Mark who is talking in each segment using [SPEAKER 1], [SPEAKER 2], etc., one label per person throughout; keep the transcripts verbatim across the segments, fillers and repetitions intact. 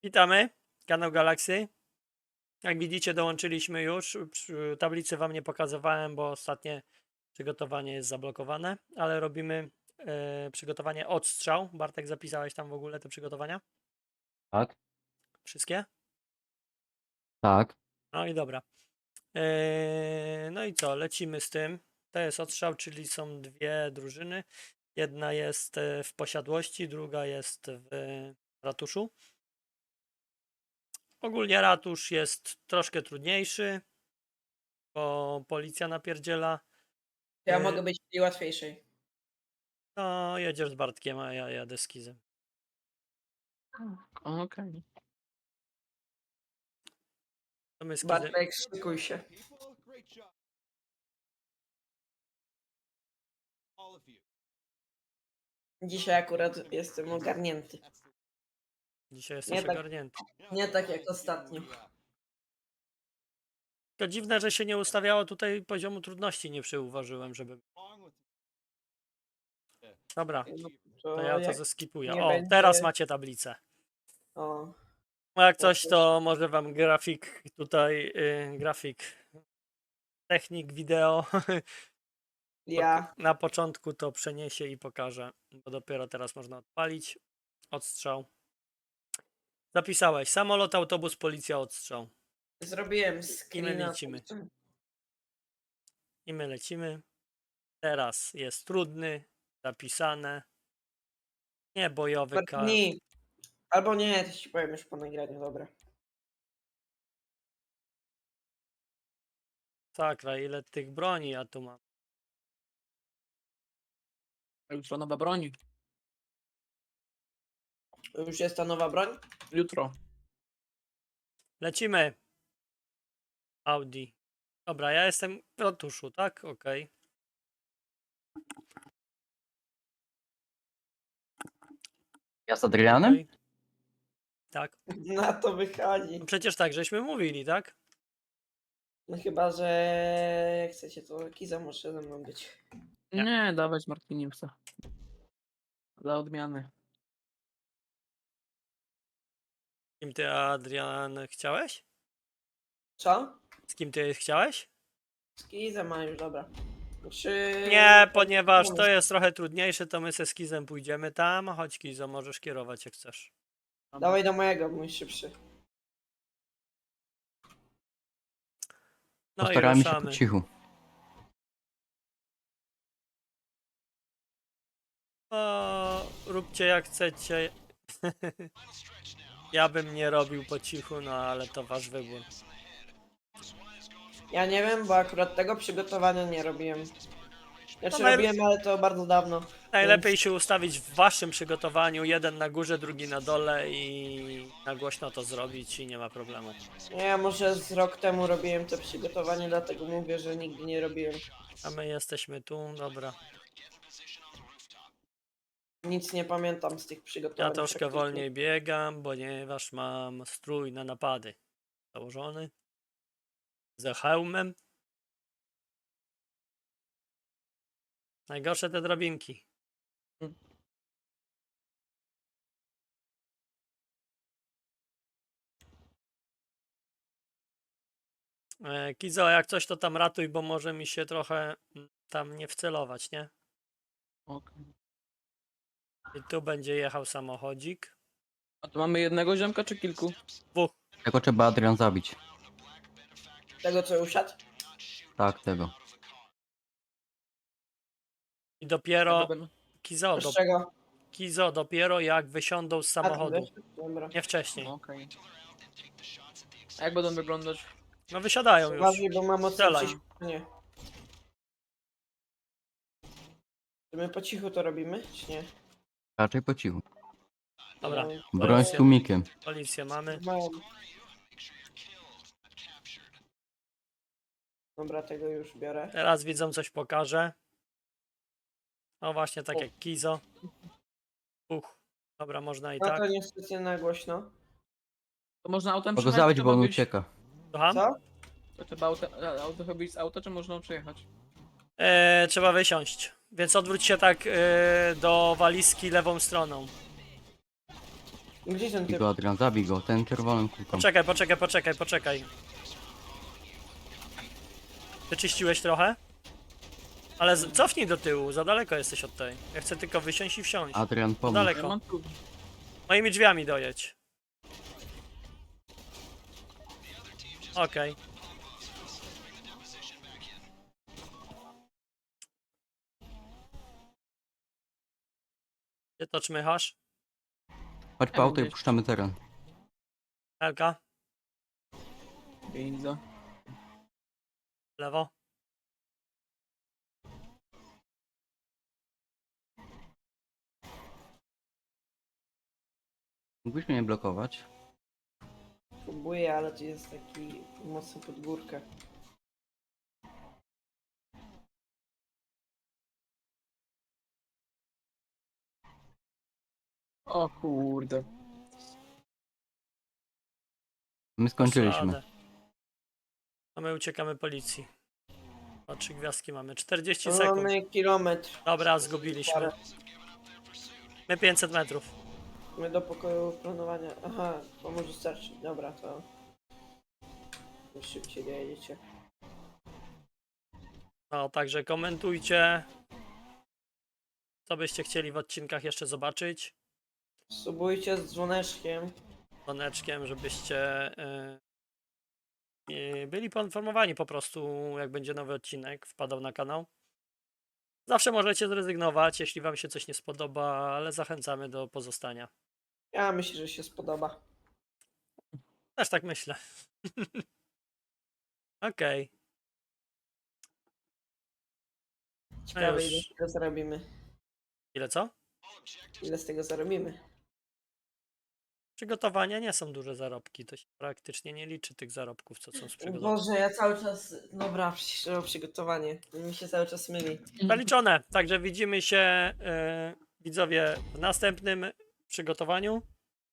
[SPEAKER 1] Witamy, kanał Galaxy. Jak widzicie, dołączyliśmy już. Przy tablicy wam nie pokazywałem, bo ostatnie przygotowanie jest zablokowane, ale robimy e, przygotowanie odstrzał. Bartek, zapisałeś tam w ogóle te przygotowania?
[SPEAKER 2] Tak,
[SPEAKER 1] Wszystkie?
[SPEAKER 2] tak.
[SPEAKER 1] No i dobra. E, no i co, lecimy z tym. To jest odstrzał, czyli są dwie drużyny. Jedna jest e, w posiadłości, druga jest w ratuszu. Ogólnie ratusz jest troszkę trudniejszy, bo policja napierdziela.
[SPEAKER 3] Ja
[SPEAKER 1] Y,
[SPEAKER 3] mogę być w tej łatwiejszej.
[SPEAKER 1] No, jedziesz z Bartkiem, a ja jadę z Kizem.
[SPEAKER 2] Okej.
[SPEAKER 1] To my z Kizem.
[SPEAKER 3] Bartek, szykuj się. Dzisiaj akurat jestem ogarnięty.
[SPEAKER 1] Dzisiaj jesteś
[SPEAKER 3] Nie tak.
[SPEAKER 1] ogarnięty.
[SPEAKER 3] Nie tak jak ostatnio.
[SPEAKER 1] To dziwne, że się nie ustawiało tutaj poziomu trudności, nie przyuważyłem, żeby... Dobra,
[SPEAKER 3] No,
[SPEAKER 1] to ja to
[SPEAKER 3] jak
[SPEAKER 1] zeskipuję.
[SPEAKER 3] nie
[SPEAKER 1] O,
[SPEAKER 3] będzie-
[SPEAKER 1] teraz macie tablicę.
[SPEAKER 3] O,
[SPEAKER 1] No jak coś, to może wam grafik tutaj, y, grafik, technik wideo
[SPEAKER 3] ja.
[SPEAKER 1] na początku to przeniesie i pokażę, bo dopiero teraz można odpalić. Odstrzał. Zapisałeś. Samolot, autobus, policja, odstrzał.
[SPEAKER 3] Zrobiłem screena.
[SPEAKER 1] lecimy. I my lecimy. Teraz jest trudny, zapisane. Nie bojowy kar.
[SPEAKER 3] Dni. Albo nie, to ci powiem już po nagraniu, dobra.
[SPEAKER 1] Sakra, ile tych broni ja tu mam.
[SPEAKER 4] Jutro nowa broń.
[SPEAKER 3] Już jest ta nowa broń?
[SPEAKER 4] Jutro.
[SPEAKER 1] Lecimy. Audi. Dobra, ja jestem w ratuszu, tak? Okej.
[SPEAKER 2] Ja z Adrianem?
[SPEAKER 1] Okej. Tak.
[SPEAKER 3] Na to wychodzi.
[SPEAKER 1] No przecież tak, żeśmy mówili, tak?
[SPEAKER 3] No chyba, że jak chcecie, to Kiza może ze mną być.
[SPEAKER 1] Nie.
[SPEAKER 4] Nie, dawać Martiniusa. Dla odmiany.
[SPEAKER 1] Z kim ty, Adrian, chciałeś?
[SPEAKER 3] Co?
[SPEAKER 1] Z kim ty chciałeś?
[SPEAKER 3] Z Kizem ma już, dobra. Czy...
[SPEAKER 1] Nie, ponieważ to jest trochę trudniejsze, to my ze Skizem pójdziemy tam. Chodź, Kizo, możesz kierować jak chcesz.
[SPEAKER 3] Dawaj do mojego, mój szybszy.
[SPEAKER 1] No i
[SPEAKER 2] Postaramy się po
[SPEAKER 1] ruszamy.
[SPEAKER 2] cichu.
[SPEAKER 1] O, róbcie jak chcecie. Ja bym nie robił po cichu, no ale to wasz wybór.
[SPEAKER 3] Ja nie wiem, bo akurat tego przygotowania nie robiłem. Znaczy
[SPEAKER 1] No, naj-
[SPEAKER 3] robiłem, ale to bardzo dawno.
[SPEAKER 1] Najlepiej się ustawić w waszym przygotowaniu, jeden na górze, drugi na dole i na głośno to zrobić i nie ma problemu.
[SPEAKER 3] Nie, ja może z rok temu robiłem to przygotowanie, dlatego mówię, że nigdy nie robiłem.
[SPEAKER 1] A my jesteśmy tu, dobra.
[SPEAKER 3] Nic nie pamiętam z tych przygotowań.
[SPEAKER 1] Ja troszkę
[SPEAKER 3] praktycznie.
[SPEAKER 1] wolniej biegam, ponieważ mam strój na napady założony. Ze hełmem. Najgorsze te drabinki. E, Kizo, jak coś to tam ratuj, bo może mi się trochę mm, tam nie wcelować, nie?
[SPEAKER 4] Okej.
[SPEAKER 1] I tu będzie jechał samochodzik.
[SPEAKER 4] A tu mamy jednego ziomka czy kilku?
[SPEAKER 1] Dwóch.
[SPEAKER 2] Tego trzeba Adrian zabić.
[SPEAKER 3] Tego co usiadł?
[SPEAKER 2] Tak, tego.
[SPEAKER 1] I dopiero,
[SPEAKER 4] Tego-
[SPEAKER 1] Kizo, do,
[SPEAKER 3] Z czego?
[SPEAKER 1] Kizo, dopiero jak wysiądą z
[SPEAKER 3] A, ten
[SPEAKER 1] samochodu.
[SPEAKER 3] wyszedł? Dobra.
[SPEAKER 1] Nie wcześniej.
[SPEAKER 4] Okej. A jak będą wyglądać?
[SPEAKER 1] No wysiadają już.
[SPEAKER 3] Uważaj, bo mam mocno
[SPEAKER 1] Strzelaj.
[SPEAKER 3] ciśnienie. Czy my po cichu to robimy, czy nie?
[SPEAKER 2] Raczej po cichu.
[SPEAKER 1] Dobra.
[SPEAKER 3] No,
[SPEAKER 2] Broń z tłumikiem.
[SPEAKER 1] Policję mamy.
[SPEAKER 3] mam. Dobra, tego już biorę.
[SPEAKER 1] Teraz widzą coś pokażę. No właśnie tak
[SPEAKER 3] O.
[SPEAKER 1] jak Kizo. Uch. Dobra, można i
[SPEAKER 3] No
[SPEAKER 1] tak.
[SPEAKER 3] to niestety na głośno.
[SPEAKER 4] To można autem
[SPEAKER 2] Mogę
[SPEAKER 4] przejechać?
[SPEAKER 2] zabić,
[SPEAKER 4] czy
[SPEAKER 2] bo on
[SPEAKER 4] trzeba wyjść-
[SPEAKER 2] ucieka.
[SPEAKER 1] Słucham?
[SPEAKER 3] Co?
[SPEAKER 4] To trzeba auto, a, auto chyba wyjść z auta, czy można przejechać?
[SPEAKER 1] E, trzeba wysiąść. Więc odwróć się tak e, do walizki lewą stroną.
[SPEAKER 3] Gdzie ten
[SPEAKER 2] Zabij
[SPEAKER 3] typ?
[SPEAKER 2] go, Adrian, zabij go. Ten czerwonym kulką.
[SPEAKER 1] Poczekaj, poczekaj, poczekaj, poczekaj. Wyczyściłeś trochę? Ale z- cofnij do tyłu, za daleko jesteś od tej. Ja chcę tylko wysiąść i wsiąść.
[SPEAKER 2] Adrian, pomóż.
[SPEAKER 1] daleko.
[SPEAKER 4] Ja mam tu.
[SPEAKER 1] Moimi drzwiami dojedź. Okej. Gdzie to czmychasz?
[SPEAKER 2] Chodź po auto i puszczamy teren.
[SPEAKER 1] Elka?
[SPEAKER 4] Widzę.
[SPEAKER 1] Lewo?
[SPEAKER 2] Mógłbyś mnie blokować?
[SPEAKER 3] Próbuję, ale tu jest taki mocno pod górkę.
[SPEAKER 4] O kurde.
[SPEAKER 2] My skończyliśmy.
[SPEAKER 1] Szladę. A my uciekamy policji. O, trzy gwiazdki mamy. czterdzieści
[SPEAKER 3] No,
[SPEAKER 1] sekund.
[SPEAKER 3] mamy kilometr.
[SPEAKER 1] Dobra, zgubiliśmy.
[SPEAKER 3] Parę.
[SPEAKER 1] My pięćset metrów.
[SPEAKER 3] My do pokoju planowania. Aha, to może starczy. Dobra, to... Już szybciej dojedziecie.
[SPEAKER 1] No, także komentujcie. Co byście chcieli w odcinkach jeszcze zobaczyć.
[SPEAKER 3] Subujcie z dzwoneczkiem.
[SPEAKER 1] Dzwoneczkiem, żebyście yy, yy, byli poinformowani po prostu, jak będzie nowy odcinek wpadał na kanał. Zawsze możecie zrezygnować, jeśli wam się coś nie spodoba, ale zachęcamy do pozostania.
[SPEAKER 3] Ja myślę, że się spodoba.
[SPEAKER 1] Też tak myślę. Okej.
[SPEAKER 3] Ciekawe, ile
[SPEAKER 1] już.
[SPEAKER 3] z tego zarobimy.
[SPEAKER 1] Ile co?
[SPEAKER 3] Ile z tego zarobimy.
[SPEAKER 1] Przygotowania nie są duże zarobki, to się praktycznie nie liczy tych zarobków, co są z przygotowania.
[SPEAKER 3] Boże, ja cały czas... Dobra, przecież to przygotowanie. Mi się cały czas myli.
[SPEAKER 1] Zaliczone, także widzimy się yy, widzowie w następnym przygotowaniu.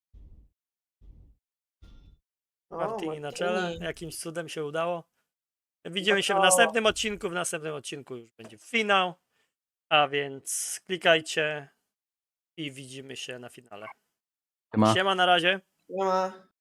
[SPEAKER 3] O,
[SPEAKER 1] Martini na czele,
[SPEAKER 3] Martini.
[SPEAKER 1] jakimś cudem się udało. Widzimy się w
[SPEAKER 3] to-
[SPEAKER 1] następnym odcinku, w następnym odcinku już będzie finał, a więc klikajcie i widzimy się na finale.
[SPEAKER 2] Ma.
[SPEAKER 1] Siema, na razie.
[SPEAKER 3] Nie ma.